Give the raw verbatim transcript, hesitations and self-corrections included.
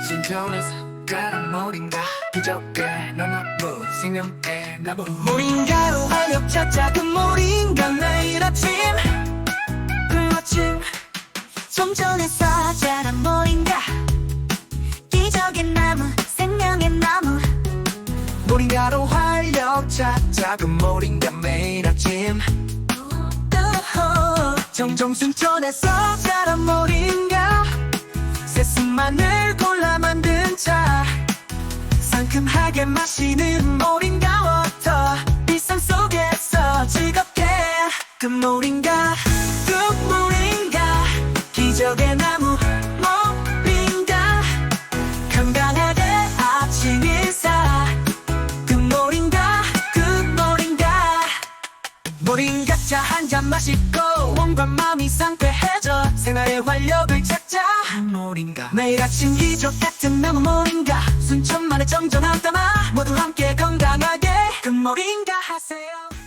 신전에서 가는 모린가 기적의 너나무 생명의 나무 모링가로 활력 찾자 그 모링가 매일 아침 그 아침 좀 전에 자란 모링가 기적의 나무 생명의 나무 모링가로 활력 찾자 그 모린가 매일 아침 우후. 정정 순천에서 자란 모링가 새순마늘 골라 만든 차 상큼하게 마시는 모링가 워터 일상 속에서 즐겁게 그 모링가 뚝 모링가 기적의 나무 모링가 건강하게 아침 인사 그 모링가 그 모링가 모링가 차 한 잔 마시고 몸과 마음이 상쾌해져 생활의 활력을 찾자 모링가 매일 아침 기적 같은 나무 모링가 순천만의 정전한 담아 모두 함께 건강하게 그 모링가 하세요.